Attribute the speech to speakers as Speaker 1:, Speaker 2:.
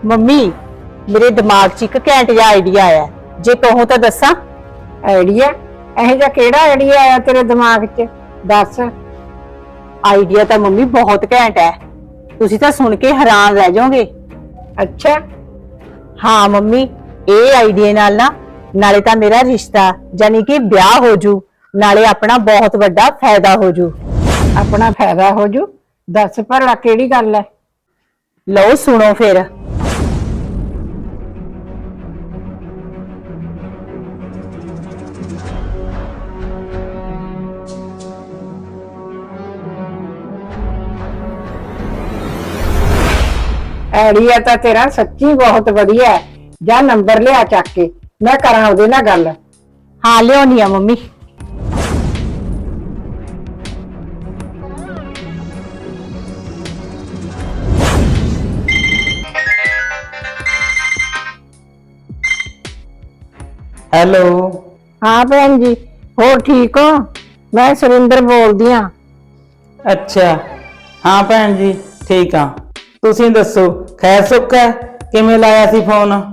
Speaker 1: Mummy ਮੇਰੇ ਦਿਮਾਗ 'ਚ ਇੱਕ ਘੈਂਟ ਜਿਹਾ ਆਈਡੀਆ ਆਇਆ, ਜੇ ਕਹੋ ਤਾਂ ਦੱਸਾਂ।
Speaker 2: ਆਈਡੀਆ? ਇਹੋ ਜਿਹਾ ਕਿਹੜਾ ਆਈਡੀਆ ਆਇਆ ਤੇਰੇ ਦਿਮਾਗ 'ਚ? ਦੱਸ।
Speaker 1: ਆਈਡੀਆ ਤਾਂ ਮੰਮੀ ਬਹੁਤ ਘੈਂਟ ਹੈ, ਤੁਸੀਂ ਤਾਂ ਸੁਣ ਕੇ ਹੈਰਾਨ ਰਹਿ ਜਾਓਗੇ।
Speaker 2: ਅੱਛਾ।
Speaker 1: ਹਾਂ ਮੰਮੀ, ਇਹ ਆਈਡੀਆ ਨਾਲ ਨਾ ਨਾਲੇ ਤਾਂ ਮੇਰਾ ਰਿਸ਼ਤਾ ਯਾਨੀ ਕਿ ਵਿਆਹ ਹੋ ਜੂ, ਨਾਲੇ ਆਪਣਾ ਬਹੁਤ ਵੱਡਾ ਫਾਇਦਾ ਹੋ ਜੂ।
Speaker 2: ਆਪਣਾ ਫਾਇਦਾ ਹੋ ਜੂ? ਦੱਸ ਭਲਾ ਕਿਹੜੀ ਗੱਲ ਹੈ?
Speaker 1: ਲਓ ਸੁਣੋ ਫਿਰ।
Speaker 2: ਆਈਡੀਆ ਤਾਂ ਤੇਰਾ ਸੱਚੀ ਬਹੁਤ ਵਧੀਆ ਹੈ। ਜਾ ਨੰਬਰ ਲਿਆ ਚੱਕ ਕੇ, ਮੈਂ ਕਰਾਂ ਉਹਦੇ ਨਾਲ ਗੱਲ।
Speaker 1: ਹਾਂ ਲਿਆਉਣੀ ਆ ਮੰਮੀ।
Speaker 3: ਹੈਲੋ।
Speaker 2: ਹਾਂ ਭੈਣ ਜੀ, ਹੋਰ ਠੀਕ ਹੋ? ਮੈਂ ਸੁਰਿੰਦਰ ਬੋਲਦੀ ਆ।
Speaker 3: ਅੱਛਾ, ਹਾਂ ਭੈਣ ਜੀ ਠੀਕ ਆ। ਤੁਸੀਂ ਦੱਸੋ, ਖੈਰ ਸੁੱਖ ਹੈ? ਕਿਵੇਂ ਲਾਇਆ ਸੀ ਫੋਨ?